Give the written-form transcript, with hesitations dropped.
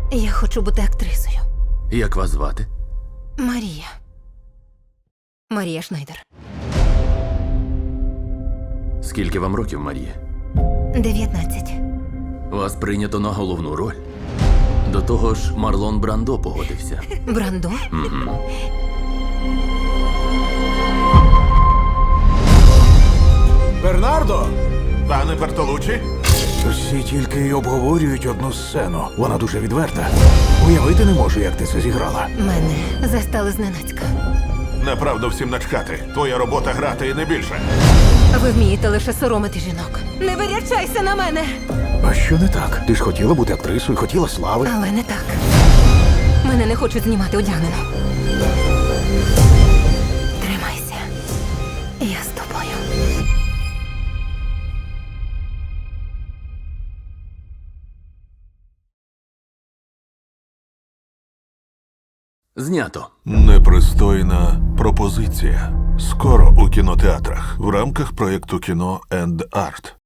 Я хочу бути актрисою. Як вас звати? Марія. Марія Шнайдер. Скільки вам років, Марія? 19. Вас прийнято на головну роль. До того ж, Марлон Брандо погодився. Брандо? Бернардо! Пане Бертолуччі? Всі тільки й обговорюють одну сцену. Вона дуже відверта. Уявити не можу, як ти це зіграла. Мене застали зненацька. Направду всім начхати. Твоя робота грати і не більше. Ви вмієте лише соромити жінок. Не вирячайся на мене! А що не так? Ти ж хотіла бути актрисою, хотіла слави. Але не так. Мене не хочуть знімати одягнено. Тримайся. Я з тобою. Знято. Непристойна пропозиція. Скоро у кінотеатрах в рамках проєкту кіно енд арт.